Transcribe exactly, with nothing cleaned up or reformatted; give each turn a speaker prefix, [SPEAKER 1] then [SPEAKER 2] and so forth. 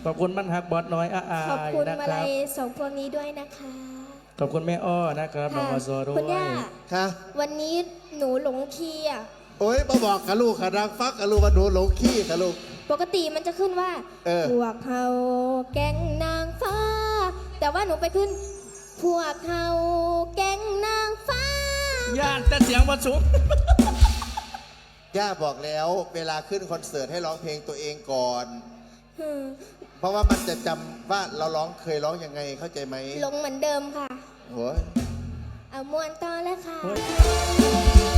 [SPEAKER 1] ขอบคุณมันฮักบอสน้อยอาอาย
[SPEAKER 2] ขอบคุณ
[SPEAKER 1] นะ
[SPEAKER 2] มา
[SPEAKER 1] ครั
[SPEAKER 2] ลั
[SPEAKER 1] บ
[SPEAKER 2] ยสองพวงนี้ด้วยนะคะ
[SPEAKER 1] ขอบคุณแม่อ้อนะครับน้อง
[SPEAKER 2] ค่ะ
[SPEAKER 1] อโซด้ว
[SPEAKER 2] คุณย่าย
[SPEAKER 3] ค่ะ
[SPEAKER 2] วันนี้หนูหลงคีย์อ่ะ
[SPEAKER 3] โอ้ยมาบอกกับลูกค่ะนางฟักกับลูกว่าหนูหลงขี้กับลูก
[SPEAKER 2] ปกติมันจะขึ้นว่า
[SPEAKER 3] เออ
[SPEAKER 2] พวกเขาแก๊งนางฟ้า แต่ว่าหนูไปขึ้น พวกเขาแก๊งนางฟ้า
[SPEAKER 1] ย่านแต่เสียงวันสูง
[SPEAKER 3] ย่าบอกแล้วเวลาขึ้นคอนเสิร์ตให้ร้องเพลงตัวเองก่อน
[SPEAKER 2] อืม
[SPEAKER 3] เพราะว่ามันจะจำว่าเราร้องเคยร้องยังไงเข้าใจไหม
[SPEAKER 2] หลงเหมือนเดิมค่ะ
[SPEAKER 3] โอ้ย
[SPEAKER 2] เอามวนต่อแล้วค่ะ
[SPEAKER 1] เฮ้ย